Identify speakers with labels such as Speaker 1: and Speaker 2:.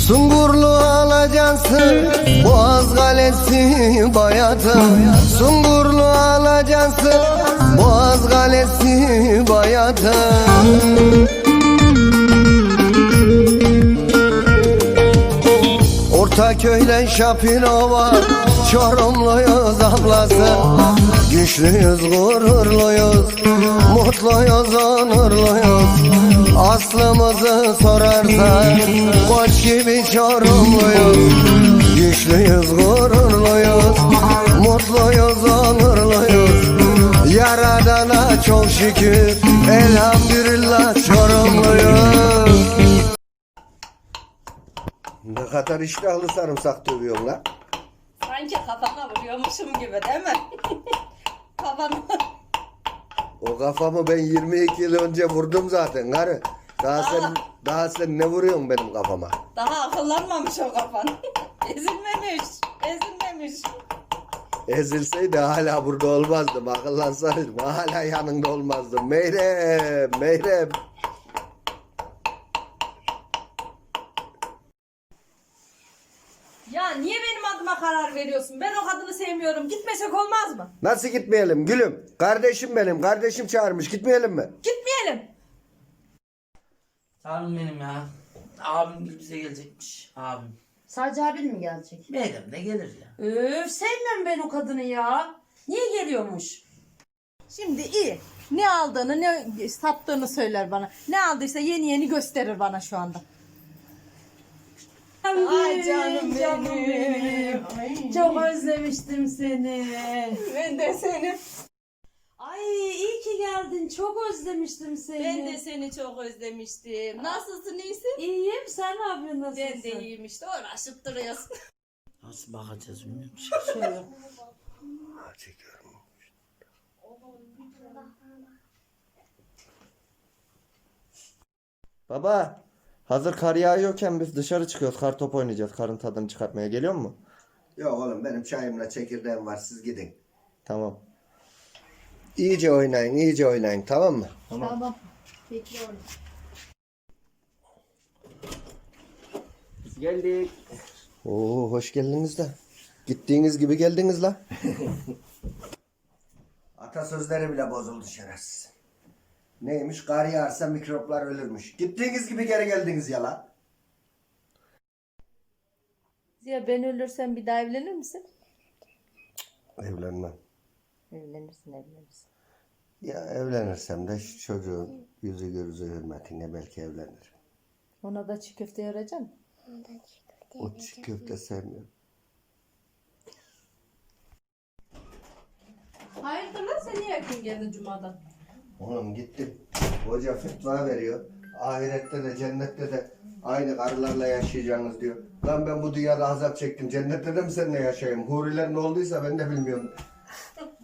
Speaker 1: Sungurlu alacaksın Boğaz Kalesi bayatı. Sungurlu alacaksın Boğaz Kalesi bayatı. Ortaköy'le Şapirova, Çorumluyuz ablası. Güçlüyüz, gururluyuz, mutluyuz, onurluyuz. Aslımızı sorarsan koç gibi Çorumluyuz. Güçlüyüz, gururluyuz, mutluyuz, onurluyuz. Yaradana çok şükür, elhamdülillah Çorumluyuz. Ne kadar iştahlı sarımsak dövüyorsun lan.
Speaker 2: Sanki kafana vuruyormuşum gibi değil mi? Kafana.
Speaker 1: O kafamı ben 22 yıl önce vurdum zaten karı. Daha sen ne vuruyorsun benim kafama?
Speaker 2: Daha akıllanmamış o kafan. Ezilmemiş.
Speaker 1: Ezilseydi hala burada olmazdım. Akıllansaydım hala yanında olmazdım. Meyrem.
Speaker 2: Ya niye benim adıma karar veriyorsun? Ben o kadını sevmiyorum. Gitmesek olmaz mı?
Speaker 1: Nasıl gitmeyelim gülüm? Kardeşim benim. Kardeşim çağırmış. Gitmeyelim mi?
Speaker 2: Gitmeyelim.
Speaker 3: Abim benim ya. Abim bize gelecekmiş. Abim.
Speaker 4: Sadece abin mi gelecek?
Speaker 3: Meyrem de gelir ya.
Speaker 4: Sevmem ben o kadını ya. Niye geliyormuş?
Speaker 2: Şimdi iyi. Ne aldığını ne sattığını söyler bana. Ne aldıysa yeni gösterir bana şu anda. Ay canım benim.
Speaker 4: Çok özlemiştim seni.
Speaker 2: Ben de seni.
Speaker 4: Ay iyi ki geldin. Çok özlemiştim seni.
Speaker 2: Ben de seni çok özlemiştim. Nasılsın, iyisin?
Speaker 4: İyiyim. Sen ne yapıyorsun? Nasılsın?
Speaker 2: Ben de iyiyim işte. Uğraşıp duruyorsun.
Speaker 3: Nasıl bakacağız bilmiyorum.
Speaker 4: Şöyle.
Speaker 1: Çekiyorum. Baba, hazır kar yağıyorken biz dışarı çıkıyoruz. Kar top oynayacağız. Karın tadını çıkartmaya geliyor mu? Yok oğlum, benim çayımla çekirdeğim var. Siz gidin. Tamam. İyice oynayın. Tamam mı?
Speaker 4: Tamam. Bekliyorum.
Speaker 1: Biz geldik. Oo, hoş geldiniz de. Gittiğiniz gibi geldiniz la. Atasözleri bile bozuldu şerefsiz. Neymiş? Kar yağarsa mikroplar ölürmüş. Gittiğiniz gibi geri geldiniz ya la.
Speaker 2: Ziya, ben ölürsem bir daha evlenir misin?
Speaker 1: Evlenmem.
Speaker 2: Evlenirsin.
Speaker 1: Ya evlenirsem de şu çocuğun yüzü gözü hürmetine belki evlenirim.
Speaker 2: Ona da çiğ köfte yarayacaksın.
Speaker 1: O çiğ köfte sevmiyorum.
Speaker 2: Hayırdır lan, sen niye yakın geldin cumadan?
Speaker 1: Oğlum gittim. Hoca fetva veriyor. Ahirette de cennette de aynı karılarla yaşayacaksınız diyor. Lan ben bu dünyada azap çektim. Cennette de mi seninle yaşayayım? Huriler ne olduysa ben de bilmiyorum.